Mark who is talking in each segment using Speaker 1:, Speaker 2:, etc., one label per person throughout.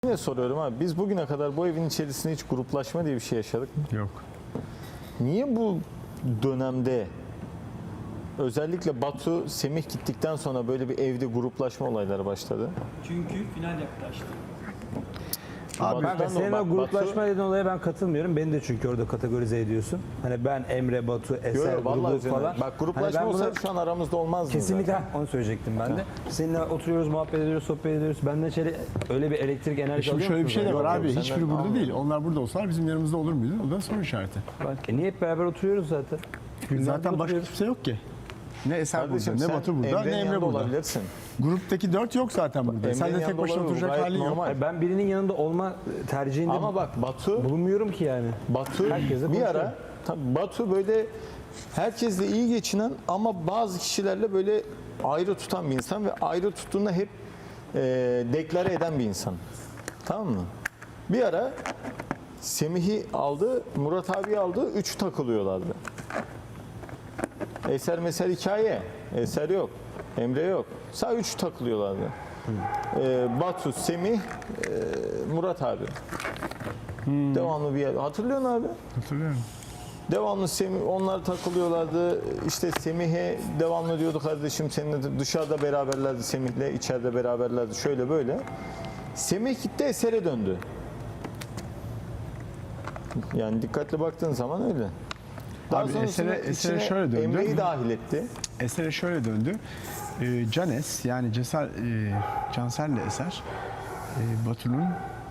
Speaker 1: Yine soruyorum abi, biz bugüne kadar bu evin içerisinde hiç gruplaşma diye bir şey yaşadık mı?
Speaker 2: Yok.
Speaker 1: Niye bu dönemde özellikle Batu, Semih gittikten sonra böyle bir evde gruplaşma olayları başladı?
Speaker 3: Çünkü final yaklaştı.
Speaker 2: Abi
Speaker 1: Batu'dan da
Speaker 4: Senin
Speaker 1: bak,
Speaker 4: o gruplaşma
Speaker 1: Batu-
Speaker 4: dediğin olaya ben katılmıyorum. Beni de çünkü orada kategorize ediyorsun. Hani ben Emre, Batu, Eser
Speaker 1: Yo, vallahi
Speaker 4: grubu falan.
Speaker 1: Bak gruplaşma
Speaker 4: Hani ben
Speaker 1: olsaydı
Speaker 4: bunu
Speaker 1: şu an aramızda olmazdı.
Speaker 4: kesinlikle
Speaker 1: zaten.
Speaker 4: onu söyleyecektim ben de. Seninle oturuyoruz, muhabbet ediyoruz, sohbet ediyoruz. Benden içeri öyle bir elektrik enerji
Speaker 2: Şimdi
Speaker 4: alıyor
Speaker 2: şöyle bir
Speaker 4: musunuz?
Speaker 2: şey de var
Speaker 1: Yok,
Speaker 2: abi.
Speaker 1: yok,
Speaker 2: Hiçbiri
Speaker 1: senden
Speaker 2: burada
Speaker 1: almıyorum.
Speaker 2: değil. Onlar burada olsalar bizim yanımızda olur muydu? O da soru işareti.
Speaker 4: Niye hep beraber oturuyoruz zaten? Günlerdir
Speaker 2: Zaten başka
Speaker 4: oturuyoruz.
Speaker 2: kimse yok ki. Ne Eser
Speaker 1: Kardeşim
Speaker 2: burada, ne
Speaker 1: sen
Speaker 2: Batu burada, ne
Speaker 1: Emre'nin
Speaker 2: Emre
Speaker 1: yanında
Speaker 2: burada.
Speaker 1: olabilirsin.
Speaker 2: Gruptaki 4 yok zaten burada. Sen de
Speaker 1: Emre'nin
Speaker 2: tek başına
Speaker 1: yanında
Speaker 2: oturacak
Speaker 1: olabilir,
Speaker 2: halin
Speaker 1: gayet
Speaker 2: yok.
Speaker 1: normal.
Speaker 4: Hayır, ben birinin yanında olma tercihinde
Speaker 1: Ama bak Batu
Speaker 4: bulunmuyorum ki yani. Herkesle
Speaker 1: bir ara
Speaker 4: konuşuyorum.
Speaker 1: tabii Batu böyle herkesle iyi geçinen ama bazı kişilerle böyle ayrı tutan bir insan ve ayrı tuttuğunda hep deklare eden bir insan. Tamam mı? Bir ara Semih'i aldı, Murat abi aldı, 3 takılıyorlardı. Eser mesela hikaye. Eser yok. Emre yok. Sadece 3 takılıyorlardı. Batu, Semih, Murat abi. Devamlı bir yer. Hatırlıyorsun abi?
Speaker 2: Hatırlıyorum.
Speaker 1: Devamlı Semih, onlar takılıyorlardı. İşte Semih'e devamlı diyordu kardeşim seninle de dışarıda beraberlerdi Semih'le, içeride beraberlerdi. Şöyle böyle. Semih gitti Eser'e döndü. Yani dikkatli baktığın zaman öyle. Daha
Speaker 2: Abi
Speaker 1: sonrasında
Speaker 2: Eser'e
Speaker 1: içine
Speaker 2: şöyle döndü.
Speaker 1: Emre'yi dahil etti.
Speaker 2: Eser'e şöyle döndü. Canes yani Cansel'le Eser Batu'nun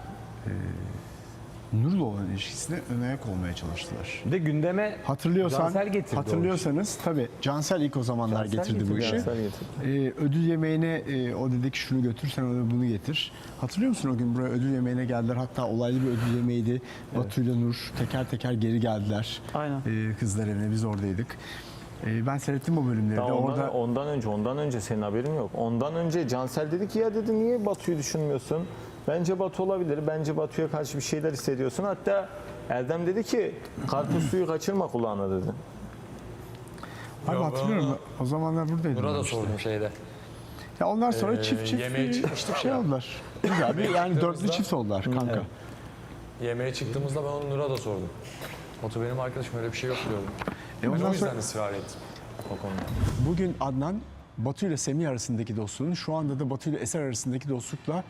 Speaker 2: Nur'la olan ilişkisine ön ayak olmaya çalıştılar.
Speaker 4: Bir de gündeme Cansel getirdi
Speaker 2: Hatırlıyorsanız tabii Cansel ilk o zamanlar
Speaker 4: Cansel
Speaker 2: getirdi bu
Speaker 4: getirdi,
Speaker 2: işi.
Speaker 1: Cansel getirdi.
Speaker 2: Ödül yemeğine o dedi ki şunu götür sen ona bunu getir. Hatırlıyor musun o gün buraya ödül yemeğine geldiler. Hatta olaylı bir ödül yemeğiydi. Batu ile Nur teker teker geri geldiler.
Speaker 3: Aynen.
Speaker 2: Kızlar evine biz oradaydık. Ben seyrettim o bölümleri de.
Speaker 1: Daha
Speaker 2: Orada
Speaker 1: ondan önce senin haberin yok. Ondan önce Cansel dedi ki ya dedi niye Batu'yu düşünmüyorsun? Bence Batu olabilir. Bence Batu'ya karşı bir şeyler hissediyorsun. Hatta Erdem dedi ki karpuz suyu kaçırma kulağına dedi.
Speaker 2: abi
Speaker 5: Yok,
Speaker 2: hatırlıyorum.
Speaker 5: onu
Speaker 2: O zamanlar buradaydım.
Speaker 5: Nur'a
Speaker 2: ben
Speaker 5: da
Speaker 2: işte.
Speaker 5: sordum şeyde.
Speaker 2: Ya onlar sonra çift
Speaker 5: yemeğe çıkmıştık
Speaker 2: şey
Speaker 5: ya.
Speaker 2: oldular. Güzel bir yani dörtlü
Speaker 5: çıktığımızda-
Speaker 2: çift oldular kanka.
Speaker 5: Yemeğe çıktığımızda ben onu Nur'a da sordum. Batu benim arkadaşım öyle bir şey yok diyordum. Ben
Speaker 2: ondan
Speaker 5: o yüzden
Speaker 2: sonra-
Speaker 5: ısrar ettim o konuda.
Speaker 2: Bugün Adnan Batu ile Semih arasındaki dostluğun şu anda da Batu ile Eser arasındaki dostlukla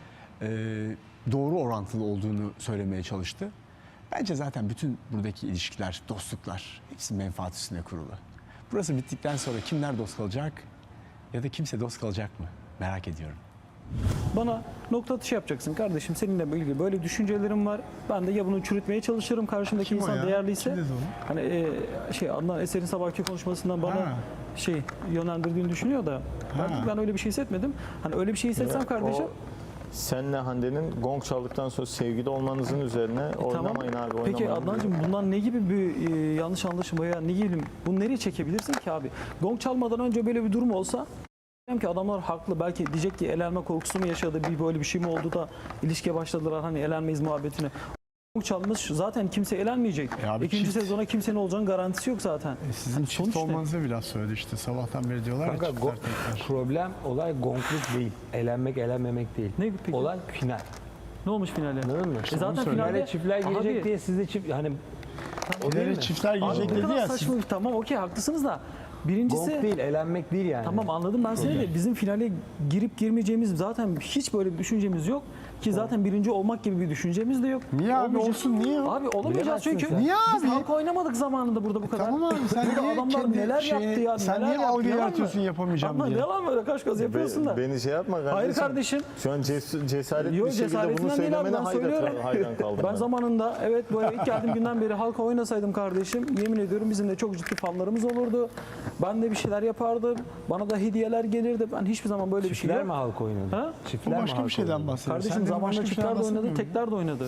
Speaker 2: doğru orantılı olduğunu söylemeye çalıştı. Bence zaten bütün buradaki ilişkiler, dostluklar hepsi menfaat üstüne kurulu. Burası bittikten sonra kimler dost kalacak ya da kimse dost kalacak mı? Merak ediyorum.
Speaker 3: Bana nokta atışı yapacaksın kardeşim. Seninle ilgili böyle düşüncelerim var. Ben de ya bunu çürütmeye çalışırım. Karşımdaki
Speaker 2: Kim o
Speaker 3: insan
Speaker 2: ya?
Speaker 3: değerliyse.
Speaker 2: Kim dedi onu?
Speaker 3: Hani Adnan Eser'in sabahki konuşmasından bana
Speaker 2: Ha.
Speaker 3: yönlendirdiğini düşünüyor da ben öyle bir şey hissetmedim. Hani öyle bir şey hissetsem kardeşim.
Speaker 1: Senle Hande'nin gong çaldıktan sonra sevgili olmanızın üzerine oynamayın abi oynamayın.
Speaker 3: Peki Adnancığım bundan ne gibi bir yanlış anlaşılma ya ne gibi bunu nereye çekebilirsin ki abi? Gong çalmadan önce böyle bir durum olsa diyeceğim ki adamlar haklı. Belki diyecek ki elenme korkusu mu yaşadı, böyle bir şey mi oldu da ilişkiye başladılar hani elenmeyiz muhabbetine. Gong çalmış zaten kimse elenmeyecek.
Speaker 2: abi
Speaker 3: İkinci
Speaker 2: çift-
Speaker 3: sezona kimsenin olacağının garantisi yok zaten.
Speaker 2: Sizin
Speaker 3: Hani
Speaker 2: çift
Speaker 3: sonuç ne?
Speaker 2: olmanıza bir laf söyledi işte. Sabahtan beri diyorlar ya
Speaker 4: Kanka,
Speaker 2: çiftler tekrar.
Speaker 4: problem olay gonkluk değil. Elenmek elenmemek değil.
Speaker 3: Ne peki?
Speaker 4: Olay final.
Speaker 3: Ne olmuş finale?
Speaker 4: Anladın mı?
Speaker 3: Zaten
Speaker 2: söyle.
Speaker 3: finalde
Speaker 4: Finale çiftler gelecek
Speaker 3: Abi,
Speaker 4: diye siz de çift hani o değil
Speaker 2: İleri
Speaker 4: mi?
Speaker 2: çiftler girecek
Speaker 3: ne
Speaker 2: dedi
Speaker 3: kadar
Speaker 2: ya.
Speaker 3: saçma bir tamam okey haklısınız da birincisi
Speaker 4: Gong değil, elenmek değil yani.
Speaker 3: tamam anladım ben seni de bizim finale girip girmeyeceğimiz zaten hiç böyle bir düşüncemiz yok ki zaten birinci olmak gibi bir düşüncemiz de yok.
Speaker 2: Niye abi
Speaker 3: Olmayacak.
Speaker 2: olsun niye?
Speaker 3: Abi olamayacağız
Speaker 4: Bilemezsin
Speaker 3: çünkü
Speaker 4: sen.
Speaker 2: Niye
Speaker 3: biz
Speaker 2: abi?
Speaker 3: halka oynamadık zamanında burada bu kadar.
Speaker 2: Tamam abi sen
Speaker 3: Burada
Speaker 2: niye
Speaker 3: adamlar
Speaker 2: kendi
Speaker 3: neler
Speaker 2: şeyini-
Speaker 3: yaptı ya
Speaker 2: sen
Speaker 3: neler
Speaker 2: niye
Speaker 3: yaptı,
Speaker 2: algı
Speaker 3: yalan mı?
Speaker 2: yaratıyorsun yapamayacağım
Speaker 3: Adnan
Speaker 2: diye?
Speaker 3: yalan böyle kaş göz yapıyorsun da.
Speaker 1: Beni şey yapma kardeşim.
Speaker 3: Hayır kardeşim.
Speaker 1: Şu an cesaretli
Speaker 3: Yok
Speaker 1: bir şekilde bunu
Speaker 3: cesaretinden değil abi
Speaker 1: söylemene
Speaker 3: ben söylüyorum.
Speaker 1: hayran kaldım.
Speaker 3: Ben zamanında evet bu eve ilk geldiğim günden beri halka oynasaydım kardeşim yemin ediyorum bizim de çok ciddi fanlarımız olurdu. Ben de bir şeyler yapardım. Bana da hediyeler gelirdi. Ben hiçbir zaman böyle bir şey
Speaker 4: Çiftler
Speaker 3: yok.
Speaker 4: mi halk oynadı?
Speaker 3: Ha?
Speaker 2: Bu
Speaker 4: Çiftler mi
Speaker 2: başka
Speaker 4: halk
Speaker 2: bir şeyden
Speaker 4: oynadı?
Speaker 2: bahsediyor.
Speaker 3: Kardeşim
Speaker 2: Sen de
Speaker 3: zamanında
Speaker 2: başka bir şeyden
Speaker 3: çiftler de oynadı,
Speaker 2: bahsetmiyor musun?
Speaker 3: tekler de oynadı.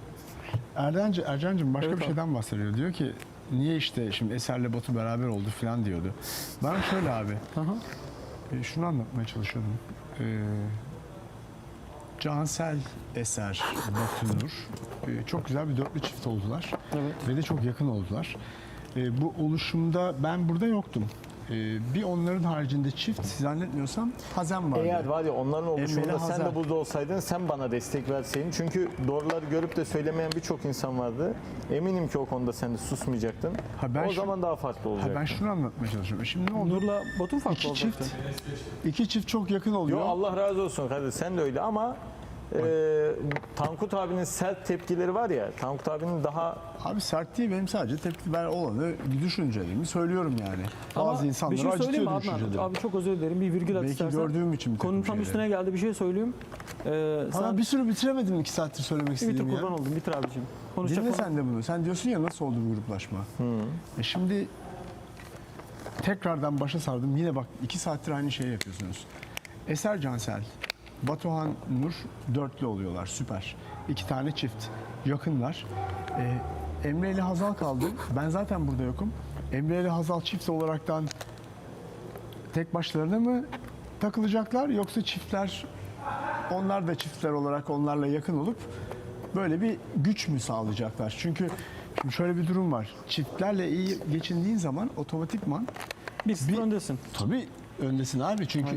Speaker 2: Ercan'cığım başka
Speaker 3: Evet
Speaker 2: bir
Speaker 3: abi.
Speaker 2: şeyden bahsediyor. Diyor ki niye işte şimdi Eser'le Batu beraber oldu falan diyordu. Ben şöyle abi. Şunu anlatmaya çalışıyordum. Cansel, Eser, Batu Nur çok güzel bir dörtlü çift oldular.
Speaker 3: Evet.
Speaker 2: Ve de çok yakın oldular. Bu oluşumda ben burada yoktum. Bir onların haricinde çift zannetmiyorsam Hazem vardı.
Speaker 1: Eğer var ya onların oluşumunda
Speaker 2: Emre'yle
Speaker 1: sen de
Speaker 2: Hazar.
Speaker 1: burada olsaydın, sen bana destek verseydin. Çünkü doğruları görüp de söylemeyen birçok insan vardı. Eminim ki o konuda sen de susmayacaktın.
Speaker 2: Ha, ben
Speaker 1: o
Speaker 2: şu-
Speaker 1: zaman daha farklı olacaktı.
Speaker 2: Ben şunu anlatmaya çalışıyorum. Şimdi ne oldu?
Speaker 3: Nur'la Batu farklı
Speaker 2: İki
Speaker 3: olacaktı.
Speaker 2: iki çift çok yakın oluyor.
Speaker 1: Yo, Allah razı olsun kardeşim, sen de öyle ama Tankut abinin sert tepkileri var ya, Tankut abinin daha
Speaker 2: Abi sert değil, benim sadece tepki ben olanı düşüncelerimi söylüyorum yani. Bazı
Speaker 3: Ama
Speaker 2: insanları
Speaker 3: bir şey söyleyeyim mi
Speaker 2: acıtıyor
Speaker 3: Adnan?
Speaker 2: düşünceleri.
Speaker 3: Abi çok özür dilerim. Bir virgül at
Speaker 2: Belki
Speaker 3: istersen.
Speaker 2: gördüğüm için bir takım
Speaker 3: Konunun tam
Speaker 2: şeyleri.
Speaker 3: üstüne geldi, bir şey söyleyeyim.
Speaker 2: Ama bir sürü bitiremedim 2 saattir söylemek
Speaker 3: bitir
Speaker 2: istediğimi
Speaker 3: kurban
Speaker 2: ya.
Speaker 3: oldum. Bitir abicim. Konuşacak
Speaker 2: Dinle
Speaker 3: konu-
Speaker 2: sen de bunu. Sen diyorsun ya nasıl oldu bu gruplaşma? Şimdi tekrardan başa sardım. Yine bak 2 saattir aynı şeyi yapıyorsunuz. Eser Cansel, Batuhan Nur dörtlü oluyorlar. Süper. 2 tane çift. Yakınlar. Emre ile Hazal kaldı. Ben zaten burada yokum. Emre ile Hazal çift olaraktan tek başlarına mı takılacaklar yoksa çiftler, onlar da çiftler olarak onlarla yakın olup böyle bir güç mü sağlayacaklar? Çünkü şimdi şöyle bir durum var. Çiftlerle iyi geçindiğin zaman otomatikman
Speaker 3: Bir sıfır öndesin.
Speaker 2: tabii öndesin abi. Çünkü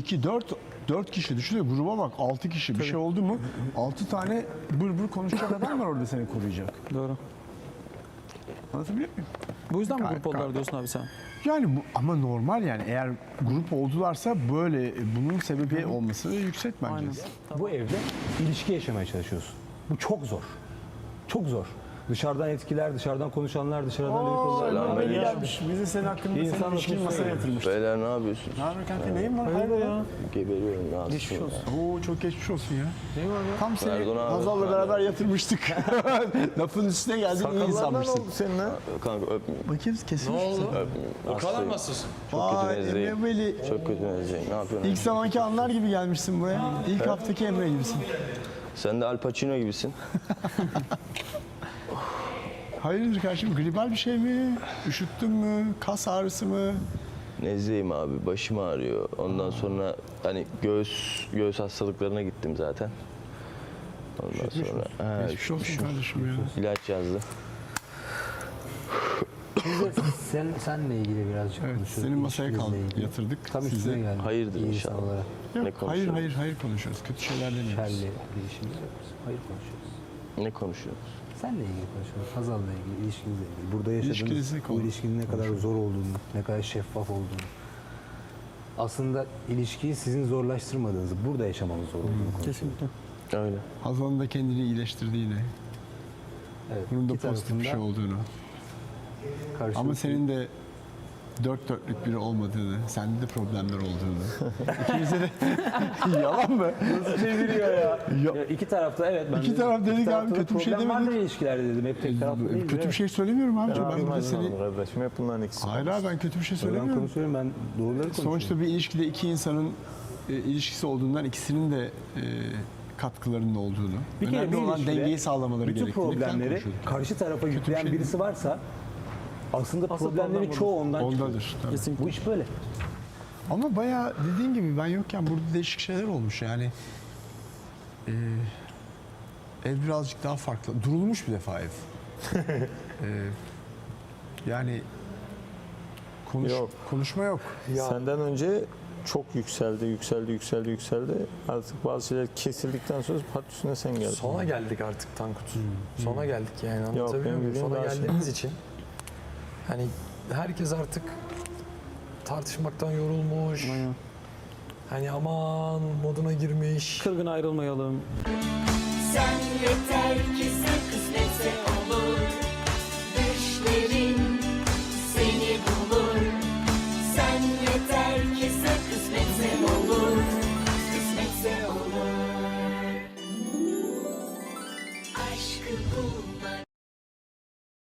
Speaker 2: 4 kişi düşünüyor. Gruba bak 6 kişi. Bir şey oldu mu 6 tane bır konuşacak adam var orada seni koruyacak.
Speaker 3: Doğru.
Speaker 2: Anlatabiliyor muyum?
Speaker 3: Bu yüzden mi
Speaker 2: Gayet-
Speaker 3: grup oldular diyorsun abi sen?
Speaker 2: Yani bu ama normal yani eğer grup oldularsa böyle bunun sebebi olması yüksek bence.
Speaker 3: Aynen.
Speaker 4: Bu evde ilişki yaşamaya çalışıyorsun. Bu çok zor. Çok zor. Dışarıdan etkiler, dışarıdan konuşanlar, dışarıdan dedikodular.
Speaker 2: Abi gelmiş. Bizi senin hakkında
Speaker 4: İnsan
Speaker 2: senin ilişkin
Speaker 4: atmosferi.
Speaker 2: masaya yatırmış.
Speaker 6: Beyler ne yapıyorsun?
Speaker 2: Ne haber kanka? Neyin var? Hayırdır ya?
Speaker 6: Geberiyorum rahatsız.
Speaker 3: Geçmiş olsun.
Speaker 2: Oo çok geçmiş olsun ya. Tam seni
Speaker 6: Erdoğan abi.
Speaker 2: Hazal'la beraber yatırmıştık. Lafın üstüne geldin iyi
Speaker 1: sakallardan
Speaker 2: insanmışsın.
Speaker 1: oldu senin ha.
Speaker 6: Kanka öpmeyeyim.
Speaker 2: Bakayım kesilmiş misin?
Speaker 5: O kadar nasılsın?
Speaker 6: Çok kötü
Speaker 2: Vay
Speaker 6: nezleyim.
Speaker 2: Emre Veli.
Speaker 6: Çok kötü nezleyim. Ne yapıyorsun?
Speaker 2: İlk zamanki anlar gibi gelmişsin buraya. İlk haftaki Emre gibisin.
Speaker 6: Sen de Al Pacino gibisin.
Speaker 2: Hayırdır kardeşim? Gribal bir şey mi? Üşüttün mü? Kas ağrısı mı?
Speaker 6: Nezleyim abi. Başım ağrıyor. Ondan sonra hani göğüs hastalıklarına gittim zaten. Ondan sonra
Speaker 2: Geçmiş olsun kardeşim ya.
Speaker 6: ilaç yazdı.
Speaker 4: Senle ilgili birazcık
Speaker 2: Evet,
Speaker 4: konuşuyoruz.
Speaker 2: senin masaya
Speaker 4: İlişkinizle ilgili.
Speaker 2: yatırdık.
Speaker 4: Tam üstüne
Speaker 2: Size.
Speaker 4: geldi.
Speaker 6: Hayırdır
Speaker 4: İyi
Speaker 6: inşallah.
Speaker 4: insan olarak.
Speaker 6: Ne
Speaker 2: Hayır
Speaker 6: konuşuyoruz?
Speaker 2: hayır konuşuyoruz. Kötü şeyler demiyoruz.
Speaker 4: Şerli bir işimiz yok. Hayır konuşuyoruz.
Speaker 6: Ne konuşuyoruz?
Speaker 4: Senle ilgili konuşuyoruz. Hazal'la ilgili, ilişkinizle ilgili. Burada yaşadığınız
Speaker 2: İlişkinizi
Speaker 4: bu ilişkinin ne kadar zor olduğunu, ne kadar şeffaf olduğunu. Aslında ilişkiyi sizin zorlaştırmadığınızı, burada yaşamanız zor olduğunu konuşuyoruz.
Speaker 3: Kesinlikle.
Speaker 6: Öyle.
Speaker 2: Hazal'ın da kendini iyileştirdiğini,
Speaker 4: Evet,
Speaker 2: bunun da
Speaker 4: iki
Speaker 2: pozitif bir
Speaker 4: tarafında
Speaker 2: şey olduğunu.
Speaker 4: karşılıklı-
Speaker 2: Ama senin de dört dörtlük biri olmadığını, sende de problemler olduğunu. İkimize de yalan mı?
Speaker 4: Nasıl çeviriyor ya?
Speaker 2: Ya-
Speaker 4: Ya iki tarafta evet. Ben
Speaker 2: İki
Speaker 4: de-
Speaker 2: taraf dedik abi,
Speaker 4: tarafta da
Speaker 2: kötü bir şey
Speaker 4: problem vardır
Speaker 2: demedik.
Speaker 4: ilişkilerde dedim. Hep tek taraflı değil.
Speaker 2: Kötü bir şey söylemiyorum abi. Ben burada
Speaker 1: Bilmem
Speaker 2: seni...
Speaker 1: kardeşim, hep bunların ikisi.
Speaker 2: Hayır abi ben kötü bir şey
Speaker 4: Ben
Speaker 2: söylemiyorum.
Speaker 4: konuşuyorum, ben doğruları konuşuyorum.
Speaker 2: Sonuçta bir ilişkide iki insanın ilişkisi olduğundan ikisinin de katkılarının olduğunu,
Speaker 4: Bir kere
Speaker 2: önemli
Speaker 4: bir
Speaker 2: olan
Speaker 4: ilişkide
Speaker 2: dengeyi sağlamaları
Speaker 4: bütün
Speaker 2: gerektiğini falan
Speaker 4: problemleri
Speaker 2: konuşuyorduk.
Speaker 4: karşı tarafa yükleyen
Speaker 2: şey
Speaker 4: birisi varsa aslında
Speaker 3: Asıl
Speaker 4: problemlerin
Speaker 3: problem
Speaker 4: çoğu ondan çıkıyor.
Speaker 2: Ondadır. Tabii.
Speaker 3: Kesinlikle.
Speaker 4: Bu iş böyle.
Speaker 2: Ama bayağı dediğin gibi ben yokken burada değişik şeyler olmuş yani. Ev birazcık daha farklı. Durulmuş bir defa ev. Yani
Speaker 1: Yok.
Speaker 2: konuşma yok.
Speaker 1: Senden önce çok yükseldi. Artık bazı şeyler kesildikten sonra pat üstüne sen geldin.
Speaker 5: Sona geldik artık Tankut. Sona geldik yani, anlatabiliyor
Speaker 1: benim
Speaker 5: muyum?
Speaker 1: dediğim
Speaker 5: Sona
Speaker 1: daha şey.
Speaker 5: geldiğimiz için hani herkes artık tartışmaktan yorulmuş.
Speaker 3: Aynen.
Speaker 5: Hani aman moduna girmiş.
Speaker 3: Kırgın ayrılmayalım.
Speaker 7: Sen yeter.